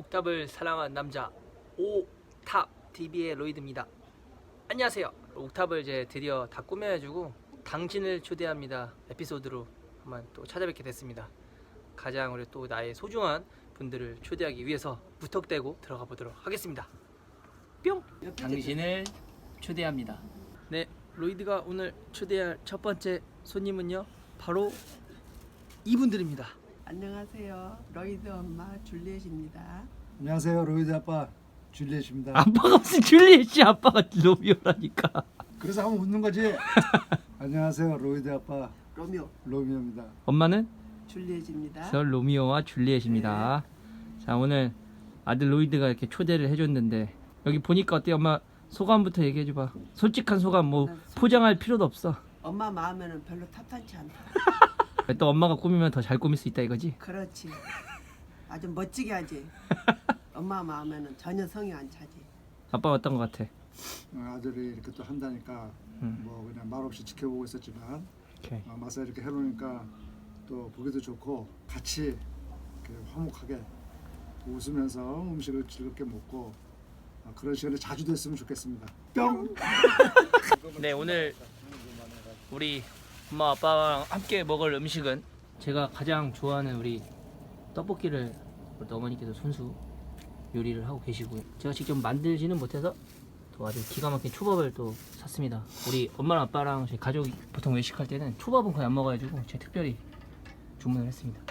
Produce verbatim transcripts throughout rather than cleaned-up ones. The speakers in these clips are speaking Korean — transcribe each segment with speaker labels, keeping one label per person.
Speaker 1: 옥탑을 사랑한 남자 오탑티비의 로이드입니다. 안녕하세요. 옥탑을 이제 드디어 다 꾸며가지고 당신을 초대합니다 에피소드로 한번 또 찾아뵙게 됐습니다. 가장 우리 또 나의 소중한 분들을 초대하기 위해서 무턱대고 들어가 보도록 하겠습니다. 뿅! 당신을 초대합니다. 네, 로이드가 오늘 초대할 첫 번째 손님은요 바로 이분들입니다.
Speaker 2: 안녕하세요. 로이드 엄마 줄리엣입니다.
Speaker 3: 안녕하세요. 로이드 아빠 줄리엣입니다.
Speaker 1: 아빠가 무슨 줄리엣이 아빠가 로미오라니까.
Speaker 3: 그래서 한번 웃는 거지. 안녕하세요. 로이드 아빠
Speaker 2: 로미오
Speaker 3: 로미오입니다.
Speaker 1: 엄마는?
Speaker 2: 줄리엣입니다.
Speaker 1: 저 로미오와 줄리엣입니다. 네. 자, 오늘 아들 로이드가 이렇게 초대를 해줬는데 여기 보니까 어때? 엄마 소감부터 얘기해줘봐. 솔직한 소감. 뭐 포장할 필요도 없어.
Speaker 2: 엄마 마음에는 별로 탑탄치 않다.
Speaker 1: 또 엄마가 꾸미면 더 잘 꾸밀 수 있다 이거지?
Speaker 2: 그렇지. 아주 멋지게 하지. 엄마 마음에는 전혀 성이 안 차지.
Speaker 1: 아빠 어떤 거 같아?
Speaker 3: 아들이 이렇게 또 한다니까
Speaker 1: 음.
Speaker 3: 뭐 그냥 말없이 지켜보고 있었지만
Speaker 1: 오케이.
Speaker 3: 어, 마사 이렇게 해놓으니까 또 보기도 좋고 같이 이렇게 화목하게 웃으면서 음식을 즐겁게 먹고 어, 그런 시간이 자주 됐으면 좋겠습니다. 뿅!
Speaker 1: 네, 오늘 우리 엄마 아빠랑 함께 먹을 음식은 제가 가장 좋아하는 우리 떡볶이를 우리 어머니께서 손수 요리를 하고 계시고요. 제가 직접 만들지는 못해서 또 아주 기가 막힌 초밥을 또 샀습니다. 우리 엄마랑 아빠랑 저희 가족이 보통 외식할 때는 초밥은 거의 안 먹어가지고 제가 특별히 주문을 했습니다.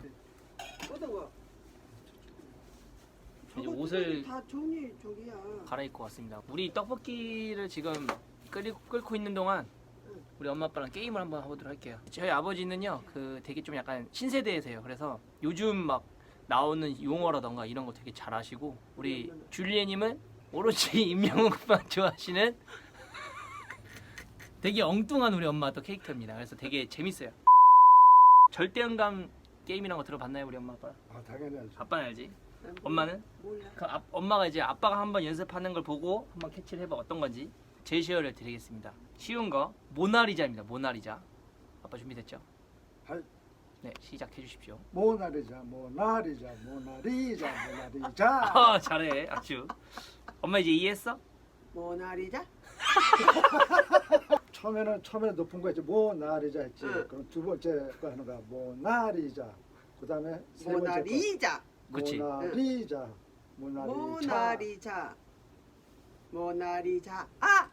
Speaker 1: 이제 옷을
Speaker 2: 다 종이 저기야.
Speaker 1: 갈아입고 왔습니다. 우리 떡볶이를 지금 끓이, 끓고 있는 동안 우리 엄마 아빠랑 게임을 한번 해보도록 할게요. 저희 아버지는요 그 되게 좀 약간 신세대세요. 그래서 요즘 막 나오는 용어라던가 이런 거 되게 잘 아시고, 우리 줄리엣님은 오로지 임영웅만 좋아하시는 되게 엉뚱한 우리 엄마 또 캐릭터입니다. 그래서 되게 재밌어요. 절대음감 게임이란 거 들어봤나요 우리 엄마 아빠?
Speaker 3: 아 당연히 알죠.
Speaker 1: 아빠는 알지? 엄마는?
Speaker 2: 몰라.
Speaker 1: 그 아, 엄마가 이제 아빠가 한번 연습하는 걸 보고 한번 캐치를 해봐 어떤 건지 제시어를 드리겠습니다. 쉬운 거 모나리자입니다. 모나리자. 아빠 준비됐죠?
Speaker 3: 할.
Speaker 1: 네, 시작해 주십시오.
Speaker 3: 모나리자 모나리자 모나리자 모나리자.
Speaker 1: 아, 잘해. 아주. 엄마 이제 이해했어?
Speaker 2: 모나리자?
Speaker 3: 처음에는 처음에는 높은 거 했지 모나리자 했지.
Speaker 2: 응.
Speaker 3: 그럼 두 번째 거 하는 거야 모나리자. 그다음에 세 번째 거
Speaker 2: 모나리자.
Speaker 1: 그치.
Speaker 3: 모나리자. 모나리자.
Speaker 2: 모나리자. 모나리자. 아!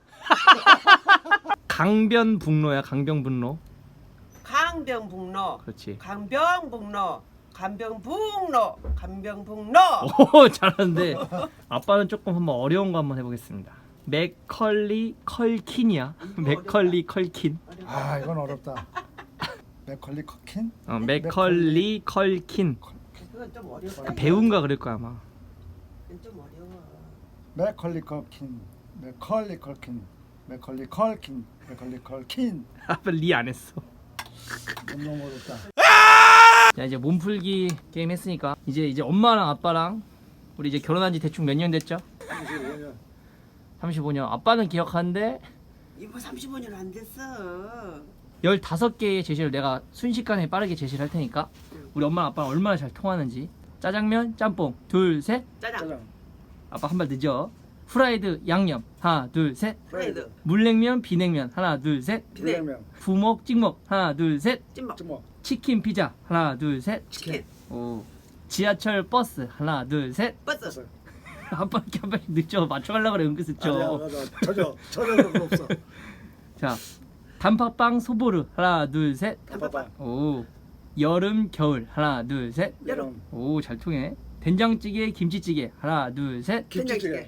Speaker 1: 강변북로야, 강변북로.
Speaker 2: 강병북로.
Speaker 1: 그렇지.
Speaker 2: 강병북로. 강병북로. 강병북로.
Speaker 1: 오, 잘하는데 아빠는 조금 한번 어려운 거 한번 해보겠습니다. 맥컬리 컬킨이야. 맥컬리 컬킨.
Speaker 3: 아 이건 어렵다. 맥컬리 커킨?
Speaker 1: 어, 맥컬리 컬킨.
Speaker 2: 그건 좀 어려워.
Speaker 1: 배운가 그럴 거야 아마.
Speaker 2: 그건 좀 어려워.
Speaker 3: 맥컬리 커킨, 맥컬리 컬킨, 맥컬리 컬킨, 맥컬리 컬킨.
Speaker 1: 아빠 리 안 했어.
Speaker 3: 너무 어렵다.
Speaker 1: 자, 이제 몸풀기 게임 했으니까 이제 이제 엄마랑 아빠랑 우리 이제 결혼한 지 대충 몇 년 됐죠?
Speaker 3: 삼십오 년.
Speaker 1: 삼십오 년. 아빠는 기억하는데
Speaker 2: 이거 삼십오 년 안 됐어.
Speaker 1: 열다섯 개의 제시를 내가 순식간에 빠르게 제시를 할 테니까 우리 엄마랑 아빠랑 얼마나 잘 통하는지. 짜장면, 짬뽕, 둘, 셋.
Speaker 2: 짜장.
Speaker 3: 짜장,
Speaker 1: 아빠 한 발 늦어. 후라이드, 양념, 하나, 둘, 셋.
Speaker 2: 프라이드.
Speaker 1: 물냉면, 비냉면, 하나, 둘, 셋.
Speaker 3: 비냉면,
Speaker 1: 부먹, 찍먹, 하나, 둘, 셋.
Speaker 2: 찜먹.
Speaker 3: 찜먹,
Speaker 1: 치킨, 피자, 하나, 둘, 셋.
Speaker 2: 치킨.
Speaker 1: 오. 지하철, 버스, 하나, 둘, 셋.
Speaker 2: 버스.
Speaker 3: 버스.
Speaker 1: 아빠 이렇게 한 발씩 늦죠. 맞춰가려고 그래, 은근
Speaker 3: 아니야,
Speaker 1: 늦죠.
Speaker 3: 나, 나 전혀 전혀 그런 거 없어.
Speaker 1: 자, 단팥빵, 소보르, 하나, 둘, 셋.
Speaker 3: 단팥빵,
Speaker 1: 오. 여름, 겨울, 하나, 둘, 셋.
Speaker 3: 여름,
Speaker 1: 오, 잘 통해. 된장찌개, 김치찌개, 하나, 둘, 셋.
Speaker 3: 김치찌개,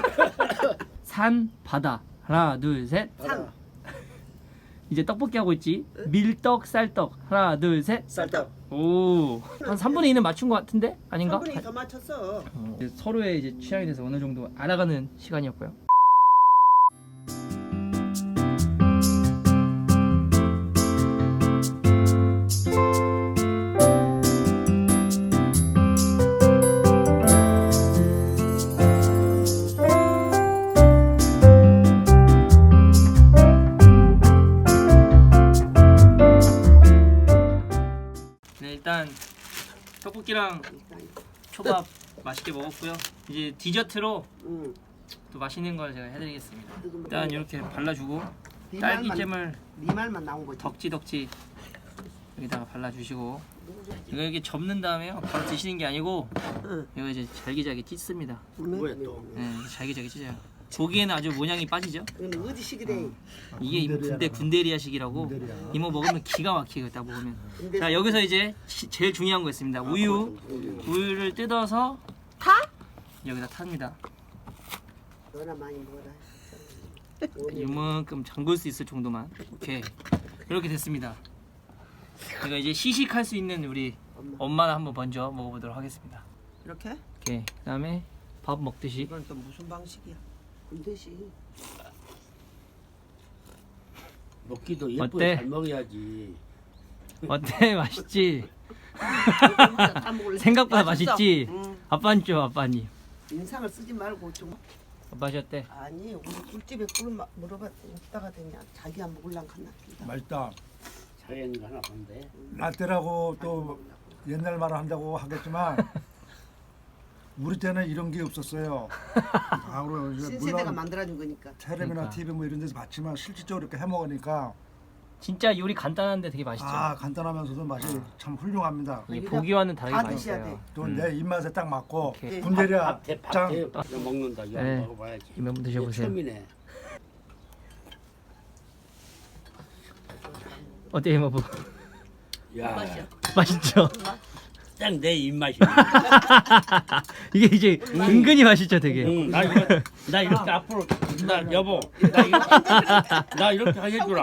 Speaker 1: 산, 바다, 하나, 둘, 셋.
Speaker 3: 바다,
Speaker 1: 이제 떡볶이 하고 있지. 밀떡, 쌀떡, 하나, 둘, 셋.
Speaker 3: 쌀떡.
Speaker 1: 오, 한 삼분의 이는 맞춘 것 같은데? 아닌가?
Speaker 2: 한 분이 더 맞췄어.
Speaker 1: 어, 이제 서로의 이제 취향에 대해서 어느 정도 알아가는 시간이었고요. 네, 일단 떡볶이랑 초밥 맛있게 먹었고요. 이제 디저트로
Speaker 2: 응.
Speaker 1: 또 맛있는 걸 제가 해드리겠습니다.
Speaker 2: 지금
Speaker 1: 일단 이렇게 발라주고
Speaker 2: 네
Speaker 1: 딸기잼을
Speaker 2: 네 말만 나온 거지.
Speaker 1: 덕지덕지 여기다가 발라주시고 이거 이렇게 접는 다음에요. 바로 드시는 게 아니고
Speaker 2: 응.
Speaker 1: 이거 이제 잘기잘기 찢습니다.
Speaker 2: 뭐야
Speaker 4: 또?
Speaker 1: 네, 잘기잘기 찢어요. 보기에는 아주 모양이 빠지죠?
Speaker 2: 이거는 어디 식이래?
Speaker 1: 이게 이모 군대 군대리아식이라고
Speaker 3: 군대리아.
Speaker 1: 이모 먹으면 기가 막히게 딱 먹으면.
Speaker 2: 군대-
Speaker 1: 자 여기서 이제 시- 제일 중요한 거 있습니다. 우유 우유를 뜯어서
Speaker 2: 타?
Speaker 1: 여기다 탑니다.
Speaker 2: 너나 많이 먹어라.
Speaker 1: 이만큼 잠글 수 있을 정도만. 오케이 이렇게 됐습니다. 제가 이제 시식할 수 있는 우리
Speaker 2: 엄마.
Speaker 1: 엄마나 한번 먼저 먹어보도록 하겠습니다.
Speaker 2: 이렇게?
Speaker 1: 오케이 그다음에 밥 먹듯이
Speaker 2: 이건 또 무슨 방식이야? 군대식.
Speaker 4: 먹기도 예쁘게
Speaker 1: 어때?
Speaker 4: 잘 먹어야지.
Speaker 1: 어때? 맛있지?
Speaker 2: 다 먹을래?
Speaker 1: 생각보다
Speaker 2: 맛있어.
Speaker 1: 맛있지?
Speaker 2: 응.
Speaker 1: 아빠는 좀 아빠니.
Speaker 2: 인상을 쓰지 말고 좀.
Speaker 1: 맛이 어때?
Speaker 2: 아니 우리 꿀집에 꿀 마- 물어봤더니 없다가 되냐. 자기가 먹을랑 갔나 보다.
Speaker 3: 맛있다.
Speaker 4: 자연이 하나 본데.
Speaker 3: 라떼라고 또 옛날 말을 한다고 하겠지만 우리 때는 이런 게 없었어요. 아, 그리고 이제
Speaker 2: 신세대가
Speaker 3: 물론
Speaker 2: 만들어준 거니까.
Speaker 3: 텔레비나
Speaker 1: 그러니까.
Speaker 3: 티비 뭐 이런 데서 봤지만 실질적으로 이렇게 해 먹으니까
Speaker 1: 진짜 요리 간단한데 되게 맛있죠?
Speaker 3: 아 간단하면서도 맛이 참 훌륭합니다.
Speaker 1: 이게 보기와는 다르게
Speaker 2: 다 드셔야
Speaker 1: 맛있어요.
Speaker 2: 돼.
Speaker 3: 또 내 입맛에 딱 맞고
Speaker 1: 오케이.
Speaker 3: 군대리아
Speaker 4: 밥대
Speaker 3: 짱.
Speaker 4: 밥대 이거 먹는다. 이거
Speaker 1: 네.
Speaker 4: 먹어봐야지.
Speaker 1: 이거 한번 드셔보세요.
Speaker 4: 처음이네.
Speaker 1: 어때 이모 부?
Speaker 4: 야,
Speaker 1: 맛있죠?
Speaker 4: 딱 내 입맛이.
Speaker 1: 이게 이제 은근히 맛있죠 되게.
Speaker 4: 응, 나 이거 나 이렇게 앞으로 나 여보 나 이렇게 나 이렇게 해주라.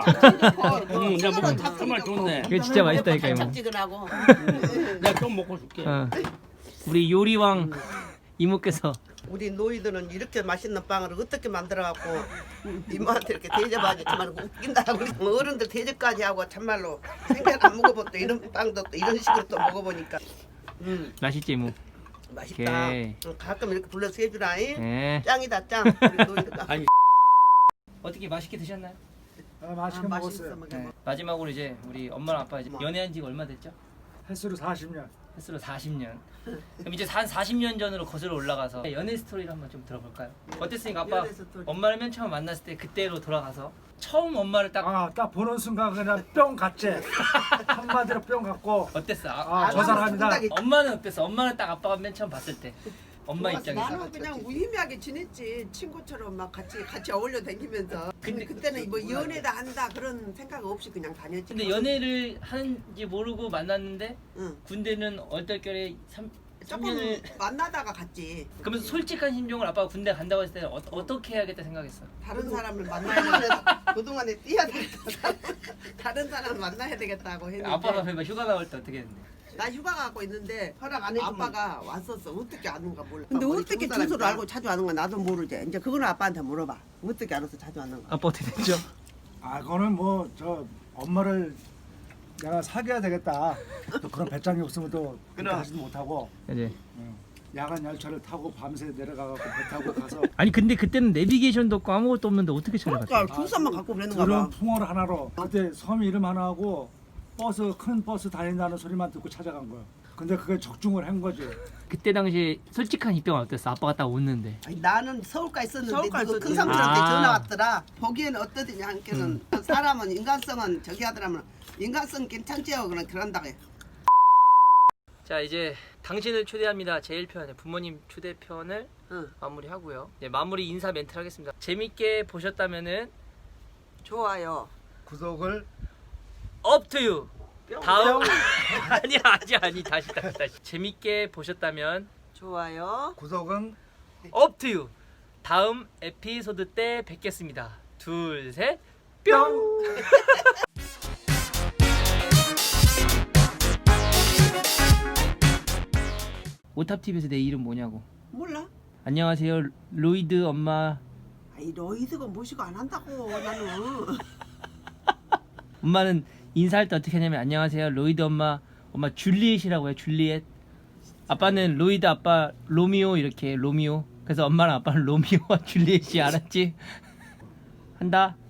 Speaker 4: 응, 나 먹고 정말 좋네.
Speaker 1: 이거 진짜 맛있다니까 이모.
Speaker 2: 짝지근하고.
Speaker 4: 내가 좀 먹고 줄게.
Speaker 1: 어. 우리 요리왕 이모께서
Speaker 2: 우리 노이들은 이렇게 맛있는 빵을 어떻게 만들어갖고 이모한테 이렇게 대접하지 정말 웃긴다. 우리 어른들 대접까지 하고 참말로 생전 안 먹어봤다. 이런 빵도 또 이런 식으로 또 먹어보니까 음
Speaker 1: 맛있지 이모.
Speaker 2: 맛있다.
Speaker 1: 오케이.
Speaker 2: 응, 가끔 이렇게 불러서 해주라잉.
Speaker 1: 네.
Speaker 2: 짱이다 짱. 우리 노이들가.
Speaker 4: 아니.
Speaker 1: 어떻게 맛있게 드셨나요?
Speaker 3: 아, 맛있게
Speaker 2: 아,
Speaker 3: 먹었어요.
Speaker 2: 맛있어,
Speaker 1: 네. 마지막으로 이제 우리 엄마랑 아빠 이제 연애한 지가 얼마 됐죠?
Speaker 3: 횟수로 사십 년.
Speaker 1: 횟수로 사십 년. 그럼 이제 한 사십 년 전으로 거슬러 올라가서 연애 스토리를 한번 좀 들어볼까요? 어땠습니까 아빠?
Speaker 2: 연애 스토리.
Speaker 1: 엄마를 맨 처음 만났을 때 그때로 돌아가서 처음 엄마를 딱
Speaker 3: 아, 딱 보는 순간 그냥 뿅 갔지. 한마디로 뿅 갔고
Speaker 1: 어땠어? 아,
Speaker 3: 아, 저 사람이다.
Speaker 2: 생각이
Speaker 1: 엄마는 어땠어? 엄마는 딱 아빠가 맨 처음 봤을 때 엄마
Speaker 2: 좋았어.
Speaker 1: 입장에서
Speaker 2: 나는 그냥 무의미하게 지냈지. 친구처럼 막 같이 같이 어울려 다니면서. 근데 그때는 뭐 연애다 한다 그런 생각 없이 그냥 다녔지.
Speaker 1: 근데 연애를 하는지 모르고 만났는데
Speaker 2: 응.
Speaker 1: 군대는 얼떨결에 삼
Speaker 2: 조금
Speaker 1: 년을
Speaker 2: 만나다가 갔지.
Speaker 1: 그러면서 솔직한 심정을 아빠가 군대 간다고 했을 때 어, 어떻게 해야겠다 생각했어?
Speaker 2: 다른 사람을 만나야 되겠다. 그동안에 뛰어다니다 다른 사람을 만나야 되겠다고 했는데
Speaker 1: 아빠가 그러면 휴가 나올 때 어떻게 했는데?
Speaker 2: 나 휴가 가고 있는데 허락 안 해주면 아빠가 왔었어. 어떻게 아는가 몰라. 근데
Speaker 5: 우리
Speaker 2: 어떻게
Speaker 5: 중국
Speaker 2: 주소를
Speaker 5: 사람이다.
Speaker 2: 알고 자주 아는가 나도 모르지. 이제 그거는 아빠한테 물어봐. 어떻게 알아서 자주 아는가.
Speaker 1: 아빠 어떻게 됐죠?
Speaker 3: 아, 그거는 뭐 저 엄마를 내가 사귀어야 되겠다. 또 그런 배짱이 없으면 또 그렇게
Speaker 2: 그럼.
Speaker 3: 하지도 못하고
Speaker 1: 이제
Speaker 3: 응. 야간 열차를 타고 밤새 내려가갖고 배 타고 가서
Speaker 1: 아니 근데 그때는 내비게이션도 없고 아무것도 없는데 어떻게 찾아갔어?
Speaker 2: 그러니까 주소만 갖고 그랬는가
Speaker 3: 그런
Speaker 2: 봐.
Speaker 3: 풍어를 하나로 그때 섬 이름 하나하고 버스 큰 버스 다닌다는 소리만 듣고 찾아간 거야. 근데 그게 적중을 한 거지.
Speaker 1: 그때 당시 솔직한 입장은 어땠어? 아빠가 딱 웃는데
Speaker 2: 아니, 나는 서울가 있었는데
Speaker 5: 서울가
Speaker 2: 그
Speaker 5: 있었지.
Speaker 2: 큰 삼촌한테
Speaker 1: 아.
Speaker 2: 전화 왔더라. 보기에는 어떠더냐 한께는 사람은 인간성은 저기 하더라면 인간성 괜찮지요. 그런 그런다고 해.
Speaker 1: 자 이제 당신을 초대합니다 제일 편 부모님 초대편을
Speaker 2: 응.
Speaker 1: 마무리하고요. 네, 마무리 인사 멘트를 하겠습니다. 재밌게 보셨다면은
Speaker 2: 좋아요.
Speaker 3: 구독을
Speaker 1: up to you.
Speaker 2: 뿅.
Speaker 1: 다음 아니 아니 아니 다시 다시 다시 재밌게 보셨다면
Speaker 2: 좋아요.
Speaker 3: 구독은
Speaker 1: up to you. 다음 에피소드 때 뵙겠습니다. 둘 셋 뿅. 오탑티비에서 내 이름 뭐냐고.
Speaker 2: 몰라?
Speaker 1: 안녕하세요 로이드 엄마.
Speaker 2: 아이 너희들은 모시고 안 한다고 나는.
Speaker 1: 엄마는 인사할 때 어떻게 하냐면 안녕하세요 로이드 엄마. 엄마 줄리엣이라고 해요. 줄리엣. 아빠는 로이드 아빠 로미오 이렇게 로미오. 그래서 엄마랑 아빠는 로미오와 줄리엣이 알았지? 한다.